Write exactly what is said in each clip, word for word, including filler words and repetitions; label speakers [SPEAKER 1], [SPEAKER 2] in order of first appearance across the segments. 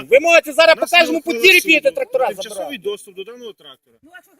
[SPEAKER 1] Ви можете зараз по кожному подвір'ї підете трактора забирати.
[SPEAKER 2] Тимчасовий доступ до даного трактора.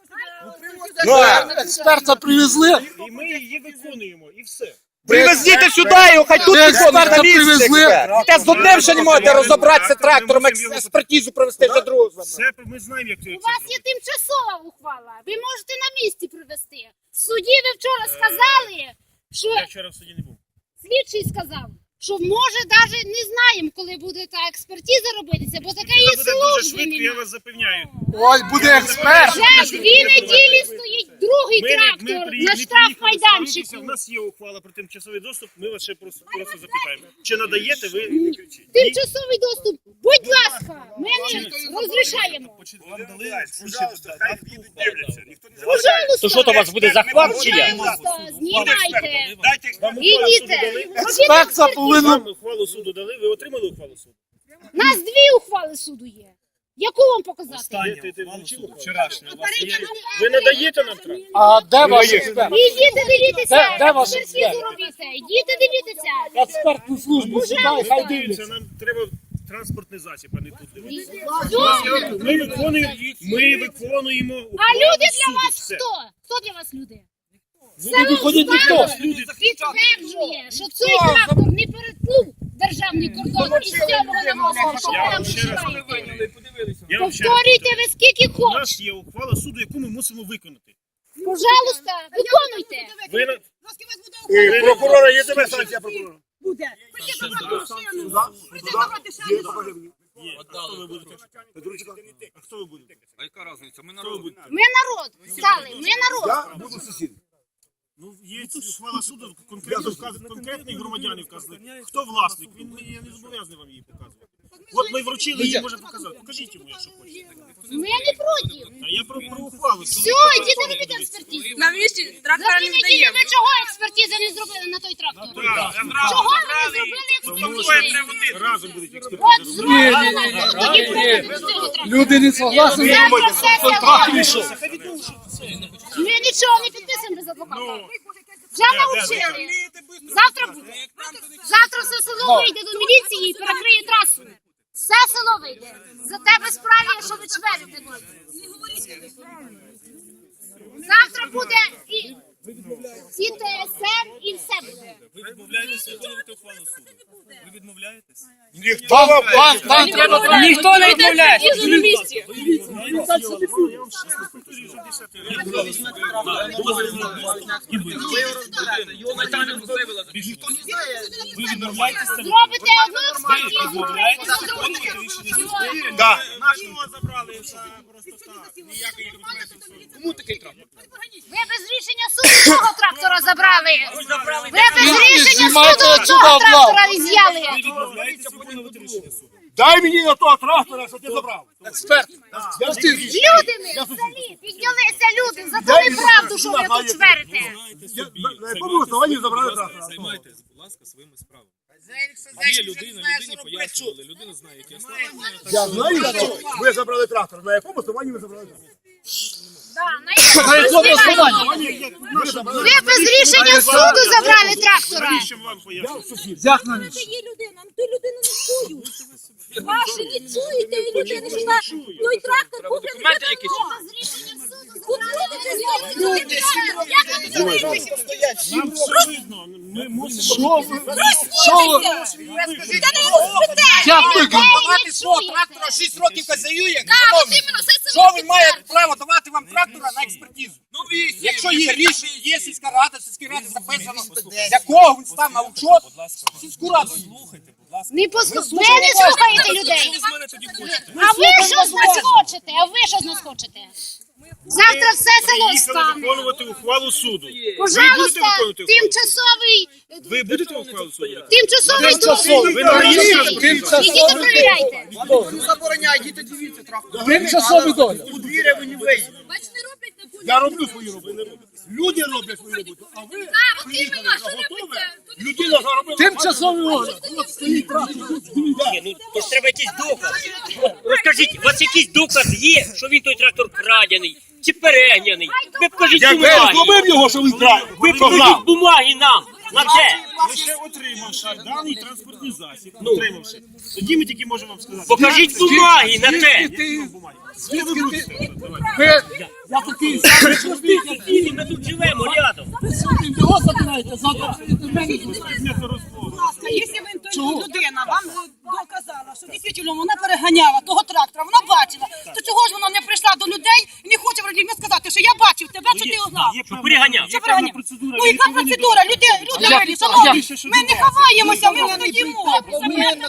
[SPEAKER 1] Ну, експерта привезли.
[SPEAKER 2] І ми її виконуємо, і все.
[SPEAKER 1] Привезіть сюди його, хай тут виконують на місці. Та з одним ще не можете розібратися трактором, експертизу провести за другого.
[SPEAKER 2] Все, ми знаємо, як це
[SPEAKER 3] У вас є тимчасова ухвала. Ви можете на місці привезти. В суді ви вчора сказали, що
[SPEAKER 2] Я вчора в суді не був.
[SPEAKER 3] слідчий сказав, що може навіть не знаємо, коли буде та експертиза робитися, бо така є
[SPEAKER 2] Це буде дуже
[SPEAKER 3] служби.
[SPEAKER 2] швидко, я вас запевняю.
[SPEAKER 1] Ой, буде експерт.
[SPEAKER 3] Вже дві неділі стоїть другий трактор на штрафмайданчику.
[SPEAKER 2] У нас є ухвала про тимчасовий доступ, ми вас ще просто, просто запитаємо. Чи надаєте ви?
[SPEAKER 3] Тимчасовий доступ, будь ласка, ми не розрішаємо.
[SPEAKER 2] Вам дали, пожалуйста, хай їдуть, дивляться. Ніхто не
[SPEAKER 3] Пожалуйста.
[SPEAKER 1] То що, то у вас буде захват чи як?
[SPEAKER 3] Пожалуйста, знімайте.
[SPEAKER 2] Вам
[SPEAKER 3] Ідіть.
[SPEAKER 1] Експерт повинен...
[SPEAKER 2] Вам ухвалу суду дали, ви отримали ухвалу суду?
[SPEAKER 3] У нас дві ухвали суду є. Яку вам показати?
[SPEAKER 2] Ти, ти вручив вчорашню. Ви надаєте нам трактор?
[SPEAKER 1] А де ваш експерт?
[SPEAKER 3] Ідіть дивіться,
[SPEAKER 1] Де- де ваш
[SPEAKER 3] експертизу
[SPEAKER 1] експерт?
[SPEAKER 3] робіть. Ідіть дивіться.
[SPEAKER 1] Експертну службу сюди, хай дивляться.
[SPEAKER 2] Це нам треба транспортний засіб, а не тут дивитися.
[SPEAKER 3] Все.
[SPEAKER 2] Ми виконуємо, ми виконуємо
[SPEAKER 3] А
[SPEAKER 2] ухвалу
[SPEAKER 3] люди для
[SPEAKER 2] суду.
[SPEAKER 3] вас
[SPEAKER 2] Все.
[SPEAKER 3] хто? Хто для вас люди?
[SPEAKER 1] Люди виходять ніхто.
[SPEAKER 3] Підтверджує, що цей трактор не перетнув державний кордон із сьомого на восьмого. Що ви
[SPEAKER 2] Я
[SPEAKER 3] нам
[SPEAKER 2] вам ще раз
[SPEAKER 3] починаєте?
[SPEAKER 2] Я вам ще раз
[SPEAKER 3] Повторюйте ви скільки
[SPEAKER 2] У
[SPEAKER 3] хочете.
[SPEAKER 2] нас є ухвала суду, яку ми мусимо виконати.
[SPEAKER 3] Пожалуйста, виконуйте.
[SPEAKER 2] Ви на...
[SPEAKER 4] Е, Прокурора, є тебе санкція прокурора?
[SPEAKER 5] Буде. Прийти забрати машину. Прийти забрати
[SPEAKER 4] Є,
[SPEAKER 5] шану.
[SPEAKER 4] покажи мені.
[SPEAKER 2] Є. А хто ви будете?
[SPEAKER 4] Петручка.
[SPEAKER 2] А хто ви будете?
[SPEAKER 6] А яка різниця? Ми
[SPEAKER 2] Хто ви
[SPEAKER 6] народ.
[SPEAKER 2] будете?
[SPEAKER 3] Ми народ стали, ми народ.
[SPEAKER 4] Я буду сусід.
[SPEAKER 2] Ну, є ухвала суду, конкретно вказані, конкретні громадяни вказані. Хто власник? Він мені я не зобов'язаний вам її показувати. От ми вручили, її може показати. Покажіть йому, якщо хочете.
[SPEAKER 3] Ми не проти.
[SPEAKER 2] А я про, про ухвалу.
[SPEAKER 3] Все, йдіть робіть експертизу.
[SPEAKER 5] На місці
[SPEAKER 3] За
[SPEAKER 5] трактора
[SPEAKER 3] дві
[SPEAKER 5] не
[SPEAKER 3] неділі
[SPEAKER 5] даємо.
[SPEAKER 3] ви чого експертизи не зробили на той трактор? Чого ви не зробили експертизи?
[SPEAKER 2] Разом будуть
[SPEAKER 3] От
[SPEAKER 2] експертизи.
[SPEAKER 3] зроблено, тоді проведемо з цього трактора.
[SPEAKER 1] Люди не согласні.
[SPEAKER 3] Завтра сесія
[SPEAKER 1] Трактор
[SPEAKER 3] буде.
[SPEAKER 1] йшов.
[SPEAKER 3] Ми нічого не підписуємо без адвоката. Вже навчили. Завтра буде. Завтра все село вийде до міліції і перекриє трасу. Все село вийде. За тебе справі, що ви чверите. Завтра буде і і Т С Р, і все буде.
[SPEAKER 6] Ви відмовляєтеся виконувати ухвалу суду? Ви відмовляєтесь?
[SPEAKER 4] Ніхто вам
[SPEAKER 1] Вам там треба...
[SPEAKER 5] Ніхто не відмовляє. На місці.
[SPEAKER 6] Ви відмовляєтеся?
[SPEAKER 3] Зробите одну експертизу,
[SPEAKER 6] відмовляєтеся?
[SPEAKER 3] зробите.
[SPEAKER 4] Да.
[SPEAKER 1] Кому такий трактор?
[SPEAKER 3] Ви без рішення суду того трактора забрали. Ви без рішення
[SPEAKER 1] знімайте
[SPEAKER 3] суду
[SPEAKER 1] отсюда
[SPEAKER 3] того
[SPEAKER 1] облав.
[SPEAKER 3] трактора з'яли.
[SPEAKER 6] Ви відмовляєтеся виконувати рішення суду?
[SPEAKER 4] Дай мені на того трактора, що ти забрав.
[SPEAKER 1] Експерт.
[SPEAKER 3] Люди ми в селі, піднялися люди, задали правду, що ви тут чверите.
[SPEAKER 4] Я- На на якому основанні забрали трактора?
[SPEAKER 6] Займайтесь, будь ласка, своїми справами. Є людина, людині пояснювали, людина знає, які основання.
[SPEAKER 4] Я знаю, що ви забрали трактор. На якому основанні ви забрали трактор?
[SPEAKER 1] На якому основанні?
[SPEAKER 4] Ви забрали
[SPEAKER 3] Ви без рішення суду забрали трактора.
[SPEAKER 2] Навіщо вам пояснювати?
[SPEAKER 1] Як на ніч?
[SPEAKER 5] Є людина, ту людину не чують. Ваші не чуєте і людини, що на той трактор був
[SPEAKER 6] Документи якісь?
[SPEAKER 2] Нам все видно. Ми мусимо...
[SPEAKER 1] Що ви? Що ви? Як ви?
[SPEAKER 3] Давати свого
[SPEAKER 1] трактора шість років хазяює? Що він має право давати вам трактора на експертизу? Якщо є рішення, є сільська рада, сільській раді записано, з якого він став на учет, сільську раду.
[SPEAKER 3] Не послухайте. Ви не слухаєте людей.
[SPEAKER 6] Ви з мене тоді хочете?
[SPEAKER 3] А ви що з нас хочете? А ви що з нас хочете? Завтра все село
[SPEAKER 2] Їхали
[SPEAKER 3] стане.
[SPEAKER 2] виконувати ухвалу суду.
[SPEAKER 3] Пожалуйста,
[SPEAKER 2] виконувати ухвалу?
[SPEAKER 3] тимчасовий,
[SPEAKER 2] Ви будете ухвалу суду?
[SPEAKER 3] тимчасовий
[SPEAKER 1] Тимчасовий.
[SPEAKER 3] доступ.
[SPEAKER 2] Ви на місці?
[SPEAKER 1] Тимчасовий.
[SPEAKER 3] Ідіть перевіряйте.
[SPEAKER 1] Тимчасові доля.
[SPEAKER 4] Я роблю свою роботу. Люди роблять свою роботу. А ви приїхали вже готове. Людина заробила.
[SPEAKER 1] Тимчасові доля.
[SPEAKER 4] От стоїть трактор.
[SPEAKER 7] Ні, ну то ж треба якийсь доказ. Розкажіть, у вас якийсь доказ є, що він той трактор крадений чи перегняний? Ви покажіть
[SPEAKER 4] Я
[SPEAKER 7] бумаги.
[SPEAKER 4] зловив його, що він крав.
[SPEAKER 7] Ви покажіть бумаги нам. На те.
[SPEAKER 2] Лише отримавши даний транспортний засіб, отримавши, тоді ми тільки можемо вам сказати.
[SPEAKER 7] Покажіть бумаги на те.
[SPEAKER 2] Звідки ви будете? Давайте.
[SPEAKER 4] Ви, я такий самий чоловік,
[SPEAKER 7] Ми тут живемо рядом.
[SPEAKER 4] його забираєте завтра.
[SPEAKER 2] Предметно розмови.
[SPEAKER 5] Якщо ви людина вам доказала, що дійсно вона переганяла того трактора, вона бачила, то чого ж вона не прийшла до людей і не хоче людям сказати, що я бачив тебе, що ти узнав?
[SPEAKER 2] Є певна-
[SPEAKER 7] переганяв.
[SPEAKER 2] є
[SPEAKER 5] Що
[SPEAKER 2] певна
[SPEAKER 5] переганяв?
[SPEAKER 2] процедура.
[SPEAKER 5] Ну
[SPEAKER 2] ви
[SPEAKER 5] яка
[SPEAKER 2] повинні
[SPEAKER 5] процедура? Люди, люди милі, шановні, ми не ховаємося, ми стоїмо.
[SPEAKER 2] Вони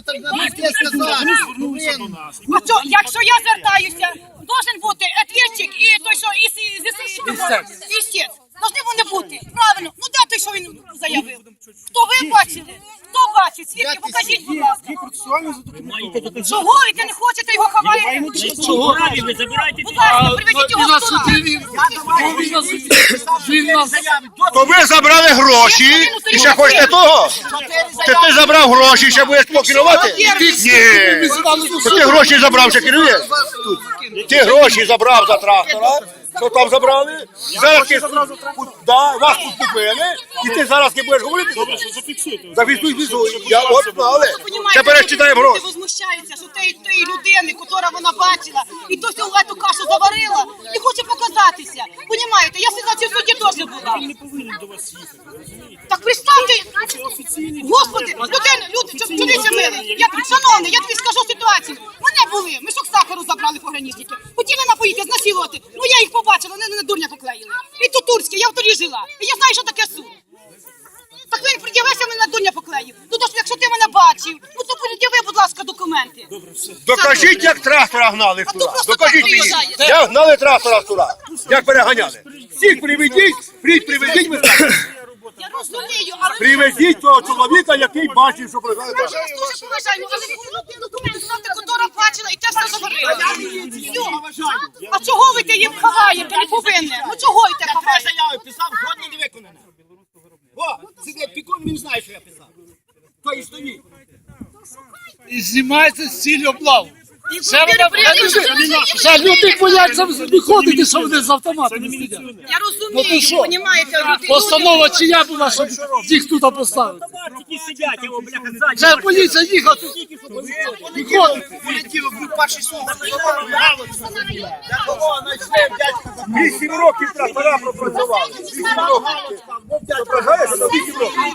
[SPEAKER 2] звернулися до нас.
[SPEAKER 5] А що, якщо я звертаюся, должен бути ответчик і той, що із ЗСУ, істець. Должны вони бути. Правильно. Ну де той, що він заявив? Хто ви бачили? Хто бачить? Свідки, покажіть, будь ласка.
[SPEAKER 2] Є процесуально задокументовано.
[SPEAKER 5] Чого ви не хочете його ховаєте?
[SPEAKER 7] Чого? Ви забирайте.
[SPEAKER 5] Будь ласка, приведіть
[SPEAKER 4] І
[SPEAKER 5] його
[SPEAKER 4] на
[SPEAKER 5] сюди.
[SPEAKER 4] суді він, він нас, він нас,
[SPEAKER 8] То ви забрали гроші і ще хочете того? Чи ти забрав гроші і ще будеш покерувати? Ні. То ти гроші забрав, ще керуєш? Ти гроші забрав за трактора. Що там забрали? Зараз ти, да, вас тут купили, і ти зараз не будеш говорити?
[SPEAKER 2] Зафіксуйте.
[SPEAKER 8] Зафіксуй, фіксуй. Я от знали. Тепер читаємо гроші.
[SPEAKER 5] Люди возмущаються, що тієї тієї людини, яка вона бачила, і то всю эту кашу заварила, і хоче показатися. Понімаєте, я сьогодні в суді теж була.
[SPEAKER 2] Не повинен до вас їхати, розумієте?
[SPEAKER 5] Так представте, Господи, людина, люди, чоловіче милий, я, шановний, я тобі скажу ситуацію. Мене були, мішок сахару забрали пограничники. Хотіли напоїти, знасилувати. Ну я їх побачила, вони на дурня поклеїли. І то турське, я в турі жила. І я знаю, що таке суд. Так він пред'явився, мене на дурня поклеїв. Ну то ж, якщо ти мене бачив, ну то пред'яви, будь ласка, документи.
[SPEAKER 8] Докажіть, як трактора гнали
[SPEAKER 5] А
[SPEAKER 8] туди.
[SPEAKER 5] то просто
[SPEAKER 8] Докажіть
[SPEAKER 5] так
[SPEAKER 8] мені.
[SPEAKER 5] приїжджає.
[SPEAKER 8] Як гнали трактора туди. Як переганяли. Всіх приведіть, прийдь, приведіть, ми скажемо.
[SPEAKER 5] Я розумію, але...
[SPEAKER 8] Приведіть того чоловіка, який бачив, що пригадує.
[SPEAKER 5] Ми ж дуже поважаємо, але ви документи знати, котора бачила, і те все заборила. Все. А чого ви те їм ховаєте, не повинні? Ну чого і те ховаєте?
[SPEAKER 1] заяву писав, жодне не виконане. О, сидить пікон, він знає, що я писав. То і стоїть.
[SPEAKER 4] і знімається з цілі облаву.
[SPEAKER 5] І
[SPEAKER 4] Це вона, вже люди бояться виходити, що вони з автоматами сидять.
[SPEAKER 5] Я
[SPEAKER 4] Ну
[SPEAKER 5] розумію,
[SPEAKER 4] ти що?
[SPEAKER 5] понімаєте, люди...
[SPEAKER 4] Постанова чия була, щоб їх тут поставити?
[SPEAKER 7] Тільки сидять, його, бляха, ззаді.
[SPEAKER 4] Вже поліція їхати. Виходить.
[SPEAKER 1] Понеділок був перший суд.
[SPEAKER 8] Вісім років трактора пропрацювали. Вісім років. Зображаєш, що вісім років.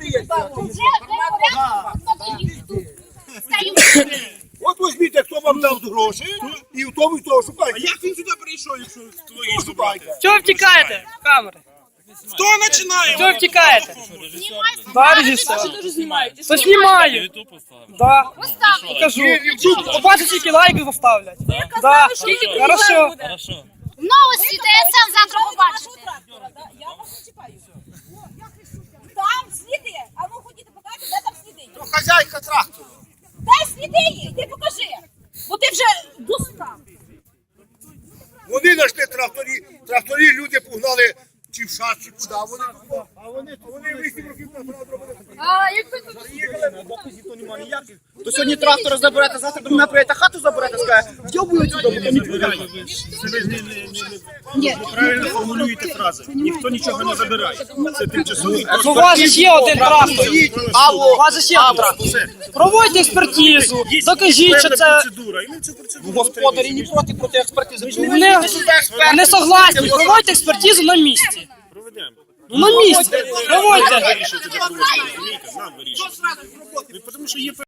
[SPEAKER 8] От візьміть, хто вам дав гроші, і в тому, і того шукайте.
[SPEAKER 2] Як він сюди прийшов, якщо твої
[SPEAKER 8] Хто шукайте?
[SPEAKER 9] Чого втікаєте? Камери.
[SPEAKER 2] Хто починає?
[SPEAKER 9] Чого втікаєте? Баржіся. То знімаю. Да. Покажу. Побачите, скільки лайків поставлять. Да. Хорошо.
[SPEAKER 3] Новості ТСН завтра побачите.
[SPEAKER 5] Я вас не чіпаю. Там сліди. А ну ходіть, покажіть, де там сліди.
[SPEAKER 1] То хазяйка трактору.
[SPEAKER 5] Дай сліди є, ти покажи. Бо ти вже достав.
[SPEAKER 8] Вони знайшли тракторі, тракторі люди погнали чи в шат, чи куди. Вони, а вони, вони вісім років трактора зробили.
[SPEAKER 3] А якби
[SPEAKER 1] То сьогодні трактор заберете, завтра до мене прийдете, хату заберете, скаже, вдьобують сюди, бо то не відповідає.
[SPEAKER 2] Ви ж не- не- не- неправильно формулюєте фрази. Ніхто нічого не забирає. Це тимчасовий.
[SPEAKER 9] У вас же є один трактор. У вас же є один трактор. Проводьте експертизу. Докажіть, що це...
[SPEAKER 2] Процедура. І ми цю процедуру
[SPEAKER 1] Господарі не проти, проти експертизи.
[SPEAKER 9] Не, не согласні. Проводьте експертизу на місці.
[SPEAKER 2] проведемо.
[SPEAKER 9] Ну, на місці. Проводьте.
[SPEAKER 2] Вирішуйте, де проводити, розумієте? Нам вирішуйте. Ну, тому що є